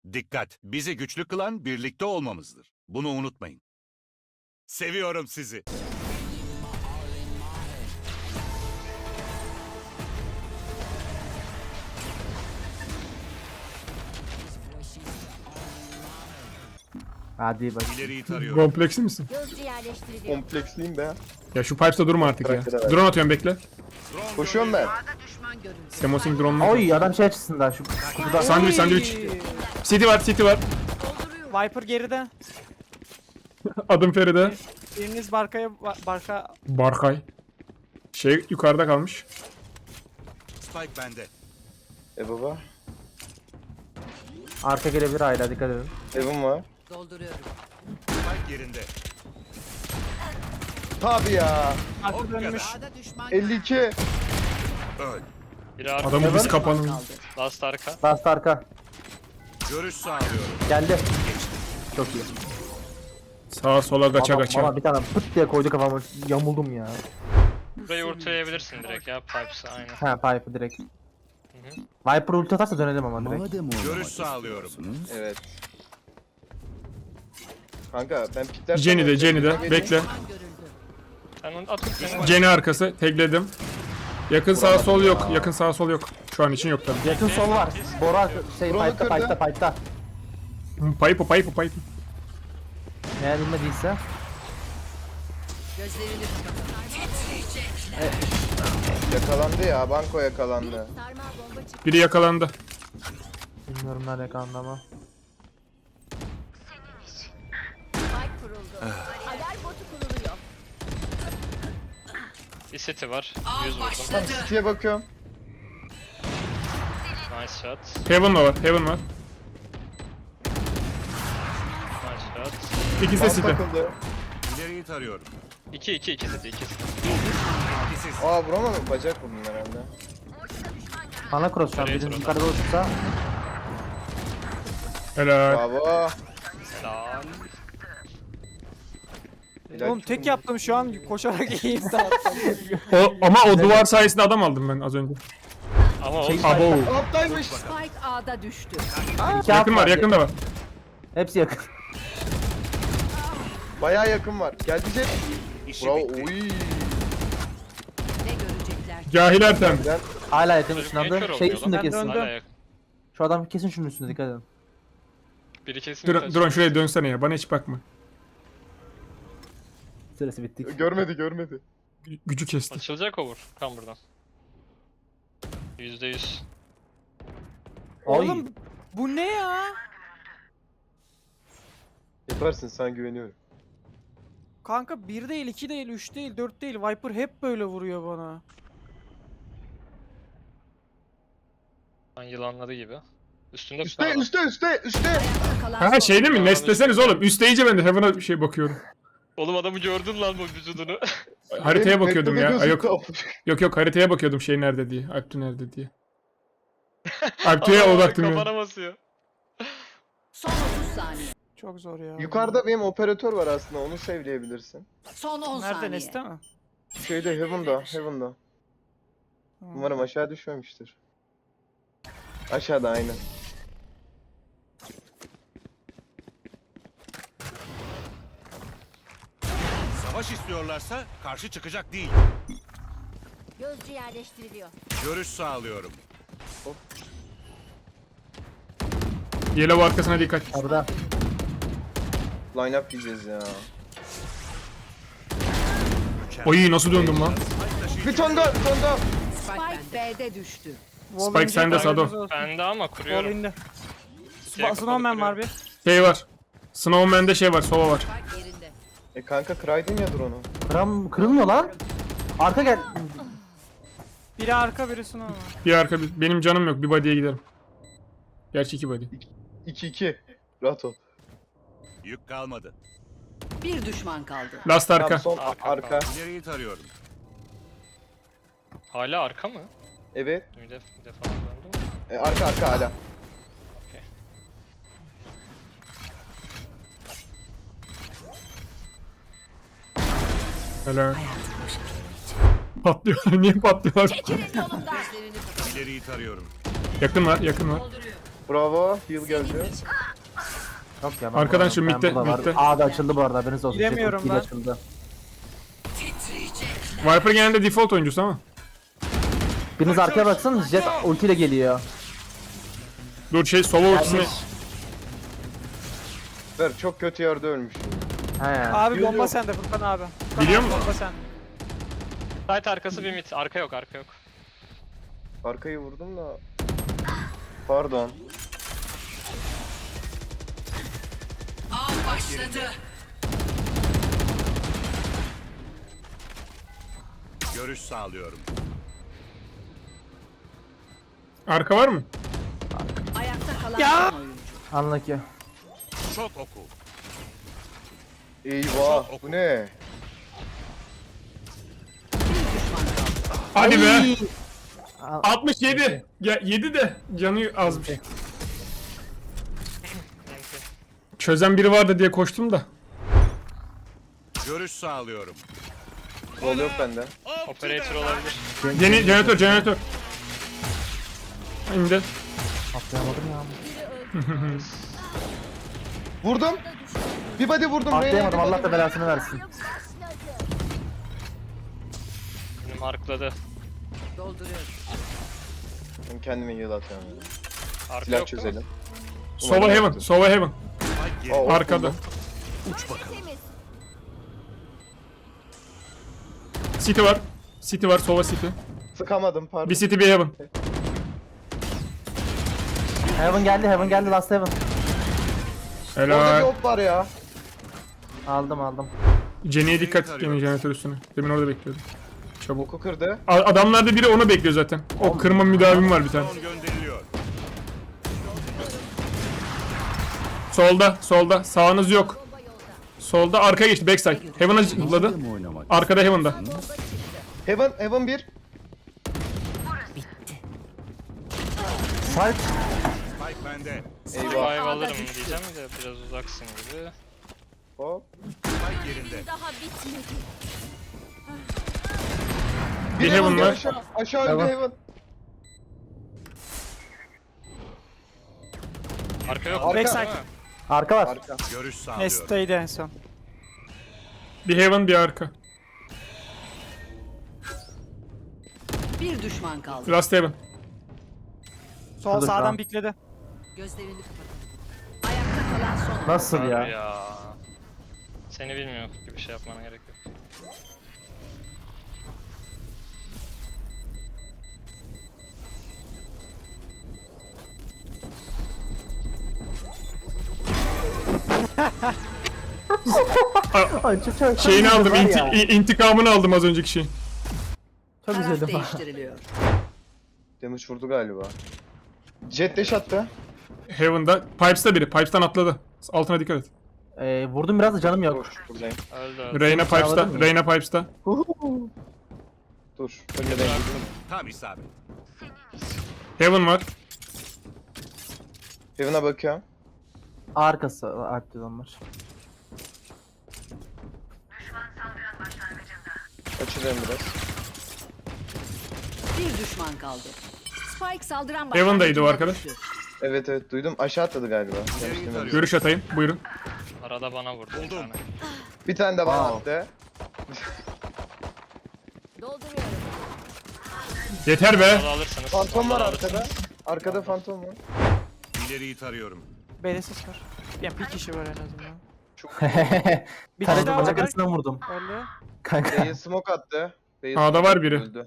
Dikkat! Bizi güçlü kılan birlikte olmamızdır. Bunu unutmayın. Seviyorum sizi. Hadi bak. İleriyi tarıyorum. Kompleksli misin? Gözcü yerleştiriliyor. Kompleksliyim be. Ya şu pipes'ta durma artık ya. Bırak, bırak. Drone atıyorum bekle. Drone Koşuyorum ben. Düşman görüldü. Semosing drone'la. Oy adam şey açısından şu şurada. Sandviç sandviç. City var city var. Viper geride. Adım Feride. Biriniz Barka Barkay. Şey yukarıda kalmış. Spike bende. Baba. Arka gelebilir hala dikkat edin. Evim var. Dolduruyorum. Spike yerinde. Tabi ya. arka O dönmüş. kadar. A'da düşman 52. Öl. Biri arka. Adamı biz kapanın. kaldı. Last arka. Last arka. Görüş sağlıyorum. Geldi. Çok iyi. Sağa sola kaça Baba kaça. bir tane pıt diye koydu kafama. Yamuldum ya. Burayı ortayabilirsin direkt ya. Pipes'ı aynen. Ha pipe direkt. Viper ulti atarsa dönelim ama direkt. Görüş sağlıyorum. Evet. Kanka ben pikler... Jenny'de bekle. Düşman görüldü. Sen onu at. Sen Jenny arkası tekledim. Yakın sağ sol yok. Yakın sağ sol yok. Şu an için yok tabii. Yakın sol var. Bora şey Drone'u pipe'ta kırdı. pipe'ta. Pipe. Eğer inmediyse. Gözlerini kapatın. Yakalandı ya. Banko yakalandı. Sarmal bomba çıktı. Biri yakalandı. Bilmiyorum nerede kaldı ama. Spike kuruldu. Alarm botu kuruluyor. bir city var. 100 vurdum. Tamam City'ye bakıyorum. Nice shot. Heaven var. Nice shot. İkisi de Bant city. takıldı. İleriyi tarıyorum. 2 city. 2 city. İkisiz. Aa vuramadım. Bacak vurdum herhalde. Ana cross şu an. Nereye Birinin sorun? yukarıda olursa. Helal. Bravo. Selam. Helal Oğlum tek yaptım şu an koşarak iyiyim zaten. Ama o duvar sayesinde adam aldım ben az önce. Ama o Abo. Alttaymış. Spike A'da düştü. İki Yakın alt var yakın da var. Hepsi yakın. Bayağı yakın var. Geldi Jet. İşi Bravo. bitti. Oy. Ne görecekler? Cahil Ertem. Ben Hala yakın Çocuk niye kör ışınlandı. Şey oluyor üstünde lan? Ben kesin. döndüm. hala yakın. Şu adam kesin şunun üstünde dikkat edin. Biri kesin. Drone şuraya dönsene ya. Bana hiç bakma. Süresi bittik. görmedi. Gücü kesti. Açılacak over. Kan buradan. %100. Oğlum bu ne ya? Yaparsın sana güveniyorum. Kanka 1 değil, 2 değil, 3 değil, 4 değil. Viper hep böyle vuruyor bana. Lan yılanları gibi. Üstünde Üste falan. üste. Ayakta kalan Ha son. şeyde mi? Nestleseniz oğlum. Üstte iyice ben de Heaven'a bir şey bakıyorum. Oğlum adamı gördün lan bu vücudunu. Haritaya bakıyordum ya. Ay, yok Yok. yok haritaya bakıyordum şey nerede diye. Alptu nerede diye. Alptu'ya Adam odaktım ya. Kafana basıyor. Son 30 saniye. Çok zor ya. Yukarıda benim operatör var aslında. Onu sevleyebilirsin. Son 10 Nerede saniye. Neste mi? Şeyde Heaven'da. Umarım aşağı düşmemiştir. Aşağıda aynen. Savaş istiyorlarsa karşı çıkacak değil. Gözcü yerleştiriliyor. Görüş sağlıyorum. Yellow arkasına dikkat. Orada. Line up diyeceğiz ya. Oy nasıl döndüm lan? Bir ton daha. Spike B'de düştü. Spike sende Sado. Bende ama kuruyorum. Wall'inde. Diğer Snowman kapalı var bir. Şey var. Snowman'de şey var. Sova var. Spike yerinde. Kanka kıraydın ya drone'u. Kırılmıyor lan. Arka gel. Biri arka, biri Snowman. Bir arka bir. Benim canım yok. Bir body'ye giderim. Gerçi 2 body. 2-2. Rahat ol. Yük kalmadı. Bir düşman kaldı. Last arka. Tamam son Arka. arka. İleriyi tarıyorum. Hala arka mı? Evet. Bir de falan döndü mü? Arka hala. Helal. Patlıyorlar. Niye patlıyorlar? Çekilin yolumdan. Gözlerini kapatın. İleriyi tarıyorum. Yakın var. Dolduruyor. Bravo. Heal geldi. Yok ya. Arkadan ben şu burada midde, var. midde. A'da açıldı bu arada, haberiniz olsun. Giremiyorum Ultiyle ben. Açıldı. Viper genelde default oyuncusu ama. Biriniz arkaya baksın, Jet ultiyle geliyor. Dur şey solo ultisini. Gelmiş. Ver çok kötü yerde ölmüş. He. Abi Yok, bomba yok. sende Furkan abi. Furkan Biliyor abi, musun? Bomba sende. Site arkası bir mid. Arka yok, arka yok. Arkayı vurdum da. Pardon. Görüş sağlıyorum. Arka var mı? Ayakta kalan Ya! son oyuncu. Anlaki. Şok oku. Eyvah. Bu ne? Bir düşman kaldı. Hadi be. Ay! 67. Ya 7 de canı azmış. Neyse. Çözen biri vardı diye koştum da. Görüş sağlıyorum. Sol yok bende. Operator olabilir. Jeneratör. İndi. Atlayamadım ya. Vurdum. Bir body vurdum. Atlayamadım, Reyna'ya bir Allah da body belasını versin. Beni markladı. Dolduruyorum. vurdum. Kendime heal atıyorum. ya. Arka Silah yok değil mi? çözelim. Sova heaven. Sova heaven. Spike geri. Aa, Arkada. buldum. Uç bakalım. City var. City var. Sova city. Sıkamadım pardon. Bir city bir heaven. Heaven geldi, last heaven. Orada bir Helal. op var ya. Aldım. Jenny'e dikkat et gene jeneratör üstüne. Demin orada bekliyordum. Çabuk. Oku kırdı. Adamlarda biri onu bekliyor zaten. O kırma müdavim var bir tane. Drone gönderiliyor. Solda. Sağınız yok. Solda arkaya geçti. Backside. Heaven'a zıpladı. Arkada Heaven'da. Heaven 1. Site. Spike bende. Eyvah. Revive Ağda alırım düştü. diyeceğim de biraz uzaksın gibi. Hop. Spike yerinde. Bir Heaven var. Aşağı öldü Heaven. Heaven. Arka yok. Arka. Backside. değil mi? Arka var. Arka. Görüş sağlıyorum. Nesta'ydı en son. Bir Heaven bir arka. Bir düşman kaldı. Last Heaven. Sol Şurada şu sağdan an. bikledi. Gözlerini kapatın. Ayakta kalan son oyuncu. Nasıl Abi ya? ya. Seni bilmiyor gibi şey yapmana gerek yok. Ay, çok Şeyini üzüldüm aldım. var ya. İntikamını aldım az önceki şeyin. Çok Taraf üzüldüm. değiştiriliyor. Damage vurdu galiba. Jet dash attı. Heaven'da. Pipes'ta biri. Pipes'tan atladı. Altına dikkat et. Vurdum biraz da canım yok. Dur buradayım. Öldü. Reyna Pipes'ta. Sağladın mı? Reyna Pipes'ta. Dur. Önüne ben gittim. Tam isabet. Heaven var. Heaven'a bakıyorum. Arkası aktif onlar. Açılıyorum biraz. Bir düşman kaldı. Spike saldıran Heaven'daydı o başlangıcında arkadaş. düştü. Evet duydum. Aşağı atladı galiba. Demiştim tarıyor. öyle. Görüş atayım. Buyurun. Arada bana vurdu bir Buldum. tane. Bir tane de bana Wow. attı. Dolduruyorum. Yeter be. Onu alırsınız. Fantom var onları arkada. alırsınız. Arkada fantom var. İleriyi tarıyorum. B'de ses var. Yani bir kişi var en azından. Bir kişi Kare daha bacak var. arasından vurdum. Öldü. Kanka. B'ye smoke attı. B'ye A'da smoke var attı, biri. öldü.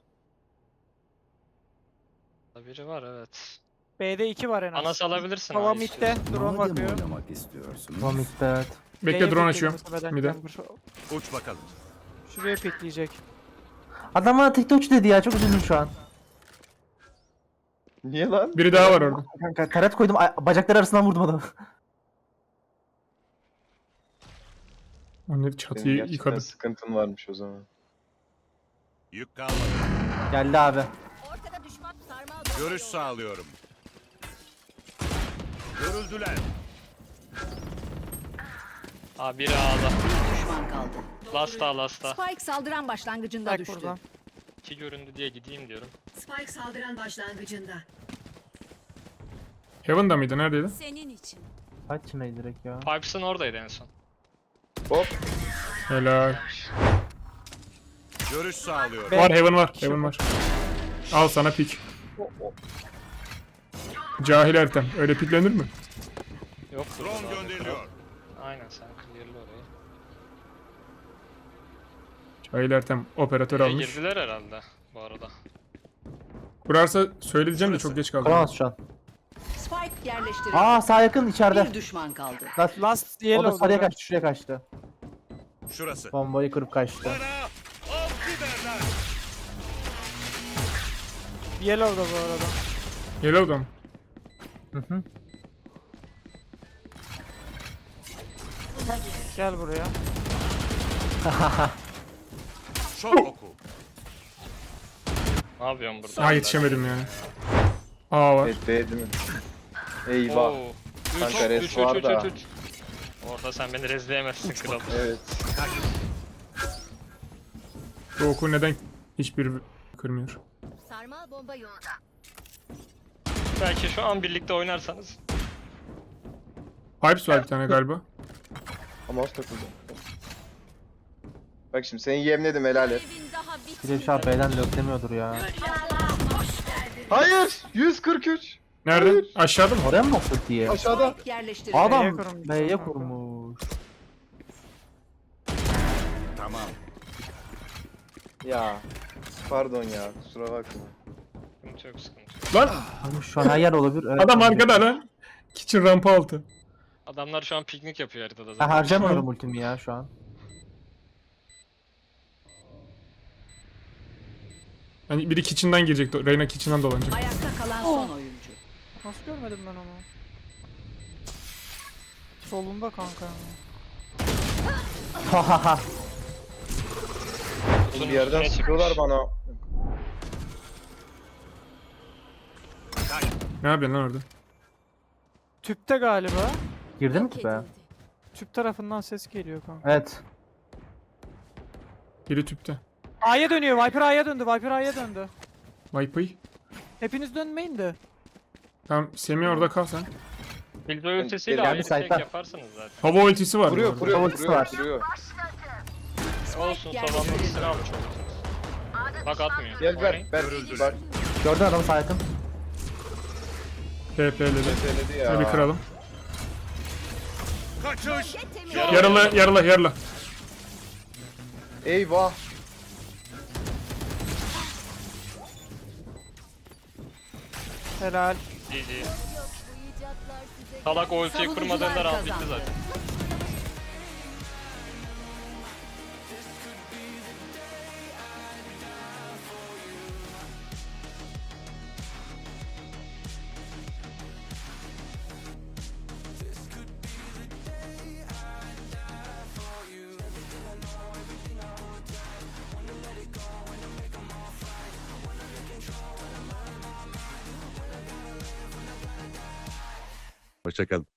Biri var evet. B'de 2 var en az. Anas alabilirsin. Hava abi midde. istiyorsan. Drone bakıyor. Vomit evet. Bekle B'ye drone pikledi açıyorum. muhtemelen Mide. Chamber. Uç bakalım. Şuraya pikleyecek. Adam bana TikTok dedi ya, çok üzüldüm şu an. Niye lan? Biri daha var orada. Kanka karet koydum, bacakları arasından vurdum adamı. Onları Senin çatıyı gerçekten yıkadı. sıkıntın varmış o zaman. Yük kalmadı. Geldi abi. Ortada düşman sarmal Görüş sağlıyorum. Görüldüler. Aa biri A'da. Bir düşman kaldı. Lasta. Spike saldıran başlangıcında Bak düştü. buradan. 2 göründü diye gideyim diyorum. Spike saldıran başlangıcında. Heaven'da mıydı? Neredeydi? Senin için. Kaç içindeydi direkt ya. Pipes'ın oradaydı en son. Hop. Helal. Görüş sağlıyorum. Var Heaven var. Heaven var. Al sana pik. Cahil Ertem. Öyle piklenir mi? Yok. Drone gönderiliyor. Aynen sen clear'la orayı. Cahil Ertem operatör B'ye almış. girdiler herhalde bu arada. Kurarsa söyleyeceğim de çok geç kaldım. Kuramaz şu an. Spike yerleştirildi. Aa sağ yakın içeride. Bir düşman kaldı. Last, Last o da yellow. sarıya kaçtı, şuraya kaçtı. Şurası. Bombayı kırıp kaçtı. Bana avcı derler. Yellow'da bu arada. Yellow'da mı? Hı hı. Gel buraya. Şok oku. Ne yapıyorsun burada? Ha yetişemedim yani. A var. Evet B değil mi? Eyvah. Oo. Kanka res var da. Orada sen beni rezleyemezsin kral. Evet. Bu oku neden hiçbir kırmıyor? Sarmal bomba yolda. Belki şu an birlikte oynarsanız. Pipes var bir tane galiba. Ama mouse takıldı. Bak şimdi seni yemledim helal et. Evin daha Bir de şu an B'den löklemiyordur ya. Hayır! 143! Nerede? Aşağıda mı? Oraya mı bastı diye? Aşağıda. Spike yerleştirildi. Adam B'ye kurmuş. B'ye kurmuş. Tamam. Ya. Pardon ya. Kusura bakma. Sıkıntı yok sıkıntı yok. Lan Abi şu an her yer olabilir. Evet, adam olabilir. arkada lan. Kitchen rampa altı. Adamlar şu an piknik yapıyor haritada Ben zaten. harcamıyorum ultimi ya şu an. Hani biri kitchen'dan girecek. Reyna kitchen'dan dolanacak. Ayakta kalan son oyuncu. Nasıl görmedim ben onu? Solunda kanka. Hahaha. Bir yerden üstüne sıkıyorlar çıkmış. bana. Ne yapıyorsun lan orada? Tüpte galiba. Girdin mi ki be? Tüp tarafından ses geliyor kanka. Evet. Biri tüpte. A'ya dönüyor. Viper A'ya döndü. Viper A'ya döndü. Vipe'ı. Hepiniz dönmeyin de. Tamam Semih orada kal sen. Bilbo ultisiyle Geldi ayrı tek site'dan. yaparsınız zaten. Hava ultisi var. bu Vuruyor, arada. vuruyor, Ultisi vuruyor, var. vuruyor. Olsun tavanın ultisini almış olduk. Bak atmıyor. Gel ver, Oynayın. ver. Bak, Gördün adamı sağ yakın. TP'ledi. meseledi ya. Şöyle bir kıralım. Kaçış. Yarıla. Eyvah. Helal. GG. Salak o ultiyi Savunucular kurmadığında round bitti kazandı. zaten. Hoşçakalın.